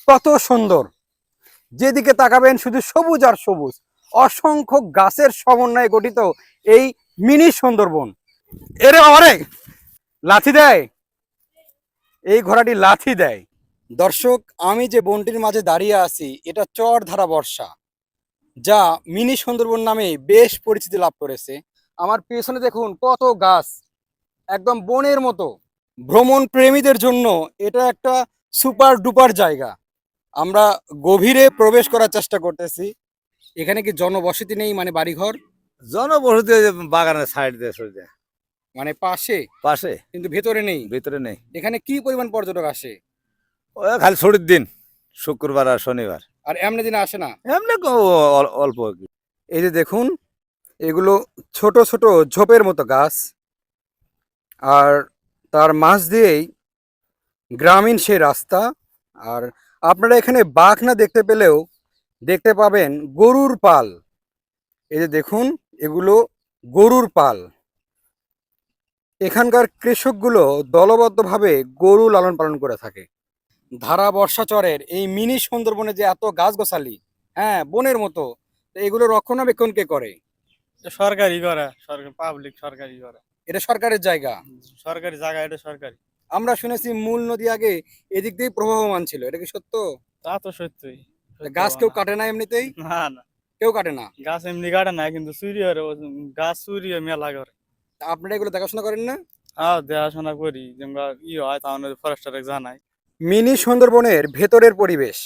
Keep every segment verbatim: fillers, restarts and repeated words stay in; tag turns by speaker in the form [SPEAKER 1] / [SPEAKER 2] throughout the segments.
[SPEAKER 1] কত সুন্দর, যেদিকে তাকাবেন শুধু সবুজ আর সবুজ, অসংখ্য গাছের সমন্বয়ে গঠিত এই মিনি সুন্দরবন। এরে বাবারে, লাথি দেয়, এই ঘোড়াটি লাথি দেয়। দর্শক, আমি যে বনটির মাঝে দাঁড়িয়ে আছি এটা চরধারা বর্ষা, যা মিনি সুন্দরবন নামে বেশ পরিচিতি লাভ করেছে। আমার পেছনে দেখুন কত গাছ, একদম বনের মতো। ভ্রমণ প্রেমীদের জন্য এটা একটা সুপার ডুপার জায়গা। আমরা গভীরে প্রবেশ করার চেষ্টা করতেছি। এখানে কি জনবসতি নেই, মানে বাড়িঘর?
[SPEAKER 2] জনবসতি ওই যে বাগানের সাইড দিয়ে সরে যায়
[SPEAKER 1] মানে পাশে,
[SPEAKER 2] পাশে,
[SPEAKER 1] কিন্তু ভেতরে নেই।
[SPEAKER 2] ভিতরে নেই।
[SPEAKER 1] এখানে কি পরিমাণ পর্যটক আসে?
[SPEAKER 2] ওই খালি ছুটির দিন, শুক্রবার আর শনিবার।
[SPEAKER 1] আর এমনি দিনে আসে না?
[SPEAKER 2] এমনি কো- অল- অল্প আর কি।
[SPEAKER 1] এই যে দেখুন, এগুলো ছোট ছোট ঝোপের মতো গাছ, আর তার মাঝ দিয়েই গ্রামীণ সেই রাস্তা। আর আপনারা এখানে বাঘ না দেখতে পেলেও দেখতে পাবেন গরুর পাল। এই যে দেখুন, এগুলো গরুর পাল। এখানকার কৃষকগুলো দলবদ্ধভাবে গরু লালন পালন করে থাকে। ধারা বর্ষাচরের এই মিনি সুন্দরবনে যে এত গাছগাছালি, হ্যাঁ বনের মতো, তো এগুলো রক্ষণাবেক্ষণ কে করে?
[SPEAKER 3] এটা সরকারি করে, সরকার পাবলিক সরকারি করে।
[SPEAKER 1] এটা সরকারের জায়গা।
[SPEAKER 3] সরকারি জায়গা, এটা সরকারি।
[SPEAKER 1] আমরা শুনেছি মূল নদী আগে এদিক দিয়ে প্রবাহমান ছিল, এটা কি সত্য?
[SPEAKER 3] তা তো সত্যি। সত্যি
[SPEAKER 1] গাছ কেউ
[SPEAKER 3] না।
[SPEAKER 1] কাটে না এমনিতেই?
[SPEAKER 3] না না,
[SPEAKER 1] কেউ কাটে না?
[SPEAKER 3] গাছ এমনি কাটে না, কিন্তু চুরি হয়, ও গাছ চুরি হয় মেলা করে।
[SPEAKER 1] তা আপনারা এগুলো দেখাশোনা করেন না?
[SPEAKER 3] হ্যাঁ, দেখাশোনা করি, যেমন ই হয় তাহলে ফরেস্টারে জানাই।
[SPEAKER 1] মিনি সুন্দরবনের ভেতরের পরিবেশ,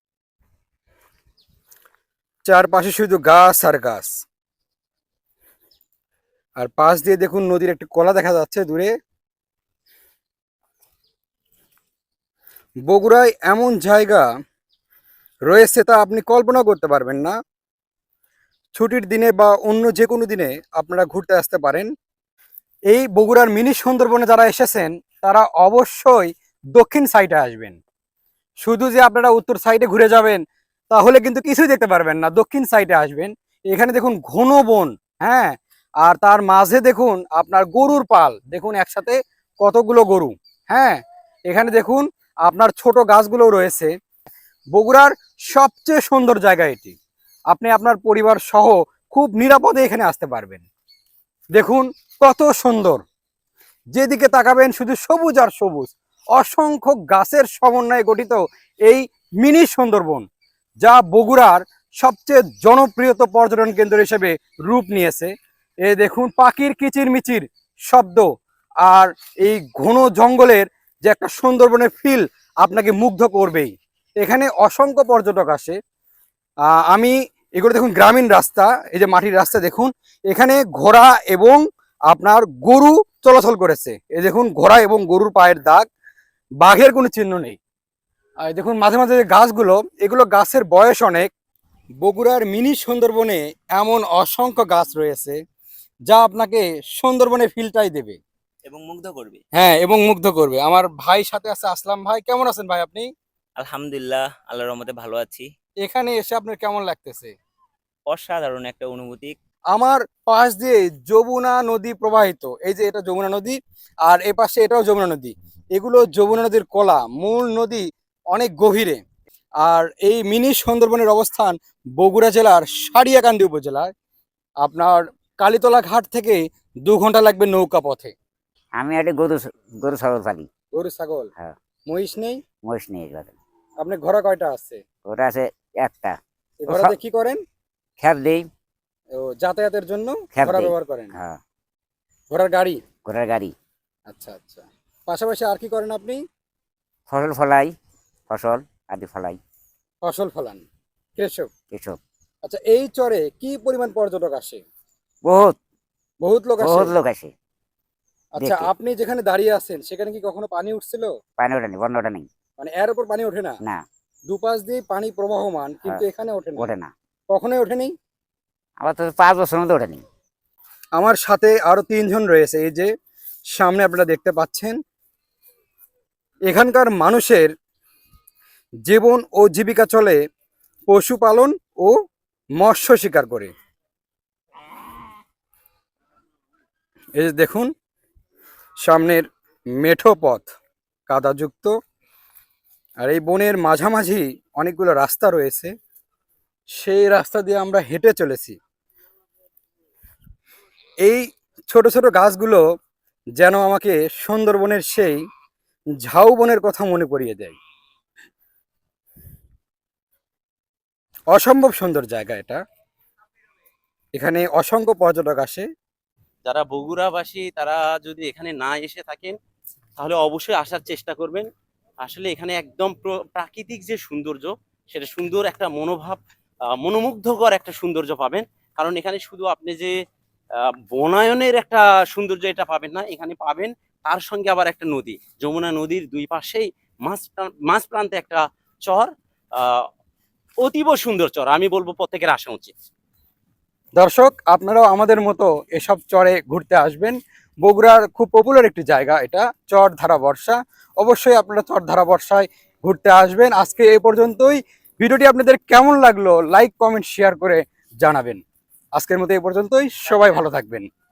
[SPEAKER 1] চারপাশে শুধু গাছ আর গাছ। আর পাশ দিয়ে দেখুন নদীর একটি কলা দেখা যাচ্ছে দূরে। বগুড়ায় এমন জায়গা রয়েছে তা আপনি কল্পনা করতে পারবেন না। ছুটির দিনে বা অন্য যে কোনো দিনে আপনারা ঘুরতে আসতে পারেন। এই বগুড়ার মিনি সুন্দরবনে যারা এসেছেন তারা অবশ্যই দক্ষিণ সাইডে আসবেন। শুধু যে আপনারা উত্তর সাইডে ঘুরে যাবেন তাহলে কিন্তু কিছুই দেখতে পারবেন না। দক্ষিণ সাইডে আসবেন, এখানে দেখুন ঘন বন, হ্যাঁ, আর তার মাঝে দেখুন আপনার গরুর পাল, দেখুন একসাথে কতগুলো গরু, হ্যাঁ। এখানে দেখুন আপনার ছোট গাছগুলো রয়েছে। বগুড়ার সবচেয়ে সুন্দর জায়গা এটি। আপনি আপনার পরিবার সহ খুব নিরাপদে এখানে আসতে পারবেন। দেখুন কত সুন্দর, যেদিকে তাকাবেন শুধু সবুজ আর সবুজ, অসংখ্য গাছের সমন্বয়ে গঠিত এই মিনি সুন্দরবন, যা বগুড়ার সবচেয়ে জনপ্রিয়ত পর্যটন কেন্দ্র হিসেবে রূপ নিয়েছে। এ দেখুন পাখির কিচির মিচির শব্দ, আর এই ঘন জঙ্গলের যে একটা সুন্দরবনের ফিল আপনাকে মুগ্ধ করবেই। এখানে অসংখ্য পর্যটক আসে। আহ, আমি এগুলো দেখুন গ্রামীণ রাস্তা, এই যে মাটির রাস্তা দেখুন, এখানে ঘোড়া এবং আপনার গরু চলাচল করেছে। এই দেখুন ঘোড়া এবং গরুর পায়ের দাগ, বাঘের কোনো চিহ্ন নেই। আর দেখুন মাঝে মাঝে যে গাছগুলো, এগুলো গাছের বয়স অনেক। বগুড়ার মিনি সুন্দরবনে এমন অসংখ্য গাছ রয়েছে যা আপনাকে সুন্দরবনে ফিলটাই দেবে
[SPEAKER 4] এবং মুগ্ধ করবে।
[SPEAKER 1] হ্যাঁ, এবং মুগ্ধ করবে। আমার ভাই সাথে আছে আসলাম ভাই, কেমন আছেন ভাই আপনি?
[SPEAKER 4] আলহামদুলিল্লাহ, আল্লাহর রহমতে ভালো আছি।
[SPEAKER 1] এখানে এসে আপনার কেমন লাগতেছে?
[SPEAKER 4] অসাধারণ একটা অনুভূতি।
[SPEAKER 1] আমার পাশ দিয়ে যমুনা নদী প্রবাহিত, এই যে এটা যমুনা নদী, আর এ পাশে এটাও যমুনা নদী। এগুলো যমুনা নদীর কলা, মূল নদী অনেক গভীরে। আর এই মিনি সুন্দরবনের অবস্থান বগুড়া জেলার সারিয়াকান্দি উপজেলায়। আপনার কালীতলা ঘাট থেকে দু ঘন্টা লাগবে নৌকা পথে।
[SPEAKER 5] আমি একটা গরু গরু ছাগল পালি।
[SPEAKER 1] গরু ছাগল?
[SPEAKER 5] হ্যাঁ।
[SPEAKER 1] মহিষ নেই?
[SPEAKER 5] মহিষ নেই এবারে।
[SPEAKER 1] আপনার ঘোড়া কয়টা আছে?
[SPEAKER 5] ওটা আছে একটা।
[SPEAKER 1] এই ঘোড়াতে কি করেন?
[SPEAKER 5] খ্যাপ দেই।
[SPEAKER 1] ও, যাতায়াতের জন্য
[SPEAKER 5] খ্যাপ
[SPEAKER 1] ঘোড়া
[SPEAKER 5] দেই।
[SPEAKER 1] ব্যবহার করেন?
[SPEAKER 5] হ্যাঁ,
[SPEAKER 1] ঘোড়ার গাড়ি?
[SPEAKER 5] ঘোড়ার গাড়ি।
[SPEAKER 1] আচ্ছা আচ্ছা। পাশাপাশি আর কি করেন আপনি?
[SPEAKER 5] ফসল ফলাই, ফসল আদি ফলাই,
[SPEAKER 1] ফসল ফলান, কৃষক।
[SPEAKER 5] এসব।
[SPEAKER 1] আচ্ছা, এই চরে কি পরিমাণ পর্যটক আসে?
[SPEAKER 5] বহুত
[SPEAKER 1] বহুত লোক আসে?
[SPEAKER 5] বহুত লোক আসে
[SPEAKER 1] আচ্ছা,
[SPEAKER 5] দেখতে।
[SPEAKER 1] আপনি যেখানে দাঁড়িয়ে আছেন সেখানে কি কখনো পানি উঠছিল?
[SPEAKER 5] পানি ওঠে নেই, বন্যা ওঠে নেই।
[SPEAKER 1] মানে এর উপর পানি ওঠে না?
[SPEAKER 5] না,
[SPEAKER 1] দুপাশ দিয়ে পানি প্রবাহমান, কিন্তু
[SPEAKER 5] হ্যাঁ,
[SPEAKER 1] এখানে ওঠে না?
[SPEAKER 5] ওঠে না।
[SPEAKER 1] কখনোই ওঠেনি?
[SPEAKER 5] আবার তো পাঁচ বছর মধ্যে ওঠে নেই।
[SPEAKER 1] আমার সাথে আরো তিনজন রয়েছে, এই যে সামনে আপনারা দেখতে পাচ্ছেন। এখানকার মানুষের জীবন ও জীবিকা চলে পশুপালন ও মৎস্য শিকার করে। এই যে দেখুন সামনের মেঠো পথ, কাদাযুক্ত, আর এই বনের মাঝামাঝি অনেকগুলো রাস্তা রয়েছে, সেই রাস্তা দিয়ে আমরা হেঁটে চলেছি। এই ছোট ছোট গাছগুলো যেন আমাকে সুন্দরবনের সেই ঝাউবনের কথা মনে করিয়ে দেয়। অসম্ভব সুন্দর জায়গা এটা, এখানে অসংখ্য পর্যটক আসে।
[SPEAKER 6] যারা বগুড়াবাসী তারা যদি এখানে না এসে থাকেন তাহলে অবশ্যই আসার চেষ্টা করবেন। আসলে এখানে একদম প্র- প্রাকৃতিক যে সৌন্দর্য, সেটা সুন্দর একটা মনোভাব, আহ, মনোমুগ্ধকর একটা সৌন্দর্য পাবেন। কারণ এখানে শুধু আপনি যে আহ, বনায়নের একটা সৌন্দর্য এটা পাবেন না, এখানে পাবেন তার সঙ্গে আবার একটা নদী, যমুনা নদীর দুই পাশেই মাঝ প্রান- মাঝ প্রান্তে একটা চর, আহ অতীব সুন্দর চর। আমি বলবো প্রত্যেকের আসা উচিত।
[SPEAKER 1] দর্শক, আপনারাও আমাদের মতো এসব চরে ঘুরতে আসবেন। বগুড়ার খুব পপুলার একটি জায়গা এটা, চর ধারা বর্ষা। অবশ্যই আপনারা চর ধারা বর্ষায় ঘুরতে আসবেন। আজকে এই পর্যন্তই। ভিডিওটি আপনাদের কেমন লাগলো লাইক কমেন্ট শেয়ার করে জানাবেন। আজকের মতো এই পর্যন্তই, সবাই ভালো থাকবেন।